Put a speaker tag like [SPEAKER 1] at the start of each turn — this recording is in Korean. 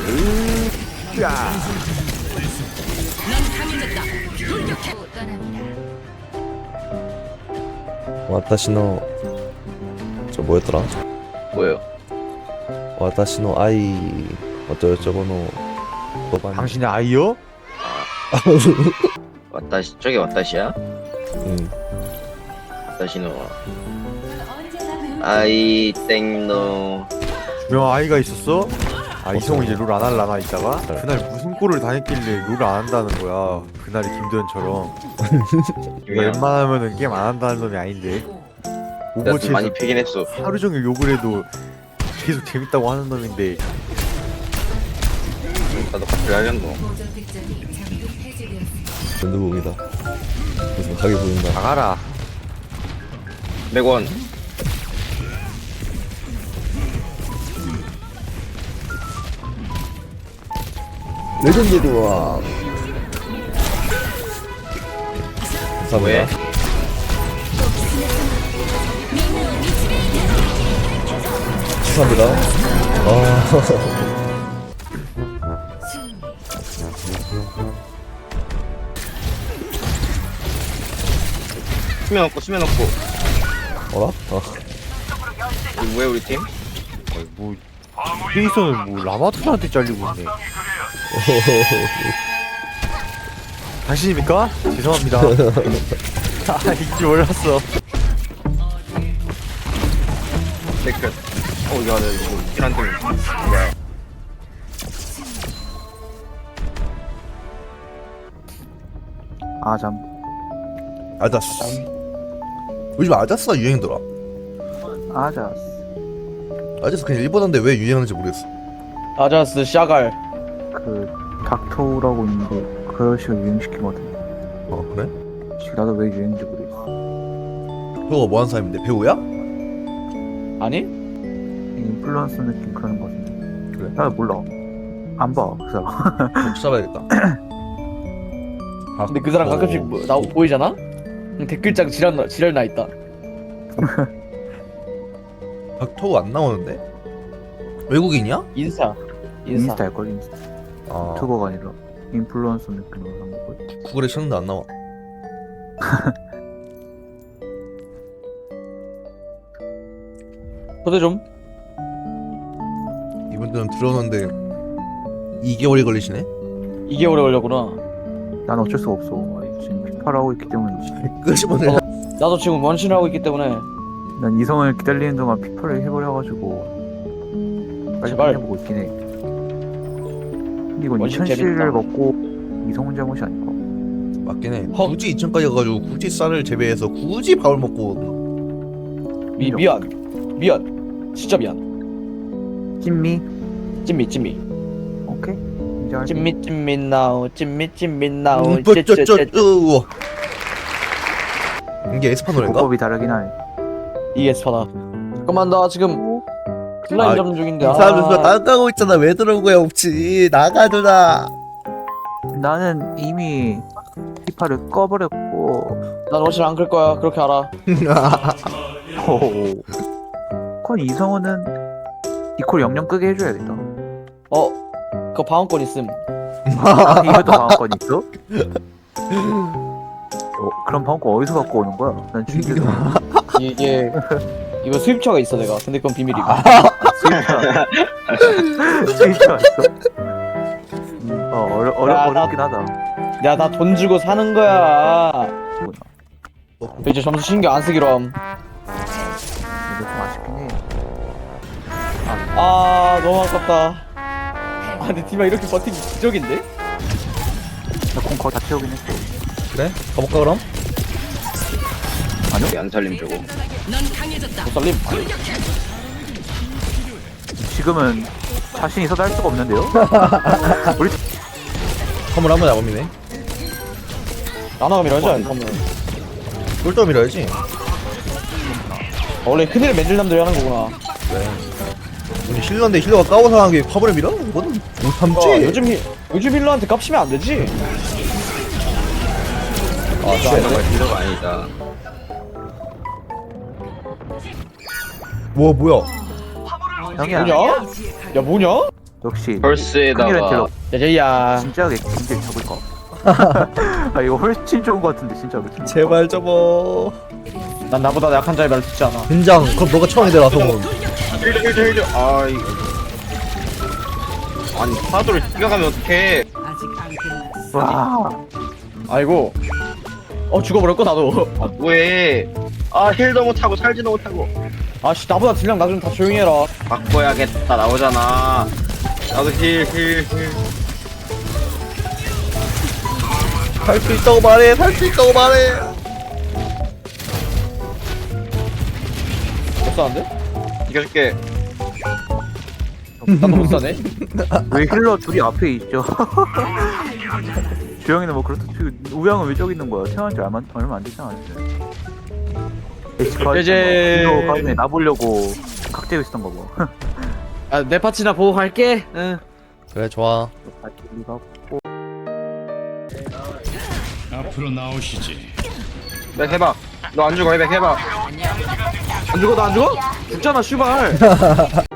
[SPEAKER 1] 와타시노 저 뭐였더라?
[SPEAKER 2] 뭐예요?
[SPEAKER 1] 와타시노 아이 어쩌고저쩌고노 너반
[SPEAKER 3] 당신의 아이요?
[SPEAKER 2] 왔다시 저게 왔다시야?
[SPEAKER 1] 응.
[SPEAKER 2] 왔다시노 아이 땡노
[SPEAKER 3] 분명 아이가 있었어? 아
[SPEAKER 1] 어떤-
[SPEAKER 3] 이성우 이제 룰 안 할라나 이따가?
[SPEAKER 1] 네.
[SPEAKER 3] 그날 무슨 꼴을 당했길래 룰을 안 한다는 거야 그날이 김도현처럼 이거 웬만하면은 게임 안 한다는 놈이 아닌데
[SPEAKER 2] 나도
[SPEAKER 3] 오버워치에서
[SPEAKER 2] 많이 패긴 했어.
[SPEAKER 3] 하루 종일 욕을 해도 계속 재밌다고 하는 놈인데
[SPEAKER 2] 나도 같이 하겠노.
[SPEAKER 1] 연두봉이다. 무슨 가게 보인다.
[SPEAKER 3] 나가라
[SPEAKER 2] 100원.
[SPEAKER 1] 레전드 도와.
[SPEAKER 2] 왜?
[SPEAKER 1] 감사합니다. 감사합니다. 아.
[SPEAKER 2] 수면 없고 수면 없고.
[SPEAKER 1] 어라? 아.
[SPEAKER 2] 왜 우리 팀?
[SPEAKER 3] 뭐 페이서는 뭐 라마토한테 잘리고 있네 당신입니까? 죄송합니다 아 이길 줄 몰랐어
[SPEAKER 2] 댓글. 야, 나 이거 킬한 팀. 뭐야?
[SPEAKER 4] 아잠
[SPEAKER 1] 아자스. 요즘 아자스가 유행이더라.
[SPEAKER 4] 아자스
[SPEAKER 1] 아자스 그냥 일본어인데 왜 유행하는지 모르겠어.
[SPEAKER 5] 아자스 샤갈.
[SPEAKER 4] 그 닥터우라고 있는데 그 식으로 유행시키거든.
[SPEAKER 1] 어 그래?
[SPEAKER 4] 나도 왜 유행인지 모르겠어.
[SPEAKER 1] 그거 뭐 하는 사람인데 배우야?
[SPEAKER 5] 아니?
[SPEAKER 4] 인플루언서 느낌 그런 거 같은데.
[SPEAKER 1] 그래?
[SPEAKER 4] 나 몰라. 안 봐. 그 사람.
[SPEAKER 1] 찾아봐야겠다. 아,
[SPEAKER 5] 근데 그 사람 가끔씩 뭐, 나 보이잖아? 댓글장 지랄 나 있다.
[SPEAKER 1] 닥터우 안 나오는데? 외국인이야?
[SPEAKER 5] 인스타.
[SPEAKER 4] 인스타일걸 인스타.
[SPEAKER 1] 아
[SPEAKER 4] 유튜버가 아니라 인플루언서 느낌으로 한 거고.
[SPEAKER 1] 구글에 쳤는데 안 나와.
[SPEAKER 5] 초대 좀.
[SPEAKER 1] 이분들은 들어오는데 2개월이 걸리시네?
[SPEAKER 5] 2개월에 걸렸구나.
[SPEAKER 4] 난 어쩔 수가 없어. 지금 피파를 하고 있기 때문이지.
[SPEAKER 1] 끄시면
[SPEAKER 5] 어. 나도 지금 원신을 하고 있기 때문에.
[SPEAKER 4] 난 이성을 기다리는 동안 피파를 해버려가지고 빨리
[SPEAKER 5] 제발.
[SPEAKER 4] 해보고 있긴 해. 근데 이건
[SPEAKER 5] 원신
[SPEAKER 4] 2000C를
[SPEAKER 5] 재밌다.
[SPEAKER 4] 먹고 이성훈 잘못이 아닐까?
[SPEAKER 1] 맞긴 해.
[SPEAKER 5] 헉.
[SPEAKER 1] 굳이 2층까지 가가지고 굳이 쌀을 재배해서 굳이 밥을 먹고
[SPEAKER 5] 미안. 진짜 미안.
[SPEAKER 4] 찐미?
[SPEAKER 5] 찐미.
[SPEAKER 4] 오케이. 인정할게.
[SPEAKER 5] 찐미 나오. 찐미 나오.
[SPEAKER 1] 우와. 이게 에스파노인가?
[SPEAKER 4] 보법이 다르긴 하네.
[SPEAKER 5] 이게 스파다. 잠깐만 나 지금 플라인
[SPEAKER 1] 아,
[SPEAKER 5] 잡는 중인데.
[SPEAKER 1] 이 사람들 나가고 있잖아. 왜 들어온 거야 없지? 나가 누나.
[SPEAKER 4] 나는 이미 피파를 꺼버렸고.
[SPEAKER 5] 난 원신 안 끌 거야. 그렇게 알아.
[SPEAKER 4] 그건 이성우는 이콜 영영 끄게 해줘야겠다.
[SPEAKER 5] 그거 방어권 있음.
[SPEAKER 4] 이것도 방어권 있어? 그럼 방어권 어디서 갖고 오는 거야? 난 준비도
[SPEAKER 5] 이게 이거 수입처가 있어 내가. 근데 그건 비밀이고.
[SPEAKER 4] 수입차 왔어? 어렵긴 하다.
[SPEAKER 5] 야 나 돈 주고 사는 거야. 이제 점수 신경 안 쓰기로 함.
[SPEAKER 4] 근데 좀 아쉽긴 해.
[SPEAKER 5] 아 너무 아깝다. 아 근데 디마 이렇게 버티기 기적인데?
[SPEAKER 4] 나공 거의 다 채우긴 했어.
[SPEAKER 1] 그래? 가볼까 그럼?
[SPEAKER 2] 안 살림 저거.
[SPEAKER 5] 못 살림.
[SPEAKER 4] 지금은 자신 있어도 할 수가 없는데요? 우리
[SPEAKER 1] 선물 한번 잡으미네.
[SPEAKER 5] 나나가 밀어야지. 그러면.
[SPEAKER 1] 꿀떡 밀어야지.
[SPEAKER 5] 원래 큰일 맨들 남들이 하는 거구나.
[SPEAKER 1] 우리 힐러인데 힐러가 까고 상한 게 화분을 밀어? 이거는 못 참지.
[SPEAKER 5] 요즘 힐러한테 깝치면 안 되지.
[SPEAKER 1] 아 진짜.
[SPEAKER 2] 리더가 아니다.
[SPEAKER 1] 와 뭐야?
[SPEAKER 4] 형이야.
[SPEAKER 5] 뭐냐? 야 뭐냐?
[SPEAKER 4] 역시 큰일은
[SPEAKER 2] 벌스에다가
[SPEAKER 4] 딜러
[SPEAKER 5] 제제야.
[SPEAKER 4] 진짜 굉장히 적을까? 아 이거 훨씬 좋은 것 같은데 진짜로.
[SPEAKER 1] 제발 접어.
[SPEAKER 5] 난 나보다 약한 자의 말 듣지 않아.
[SPEAKER 1] 된장. 그럼 너가 처음이다 나성은.
[SPEAKER 2] 힐드 아 이거 아니 파도를 뛰어가면 어떡해.
[SPEAKER 4] 와
[SPEAKER 5] 아이고. 죽어버렸고 나도.
[SPEAKER 2] 아 뭐해. 아 힐도 못하고 살지도 못하고.
[SPEAKER 5] 아씨 나보다 딜량 낮으면 다 조용히 해라.
[SPEAKER 2] 바꿔야겠다 나오잖아. 나도 힐.
[SPEAKER 1] 살 수 있다고 말해. 살 수 있다고 말해.
[SPEAKER 5] 못 사는데?
[SPEAKER 2] 이겨줄게.
[SPEAKER 5] 나도 못 사네.
[SPEAKER 4] 왜 힐러 둘이 앞에 있죠? 주영이는 뭐 그렇다 치고 우양은 왜 저기 있는 거야? 태어난 지 얼마 안 되잖아.
[SPEAKER 5] 이제-
[SPEAKER 4] 이거 가슴에 나보려고 각재고 있었던 거 뭐.
[SPEAKER 5] 내 파츠나 보고 갈게. 응.
[SPEAKER 1] 그래 좋아.
[SPEAKER 6] 앞으로 나오시지.
[SPEAKER 2] 네 해봐. 너 안 죽어 해봐.
[SPEAKER 5] 안 죽어 나 안 죽어? 죽잖아 슈발.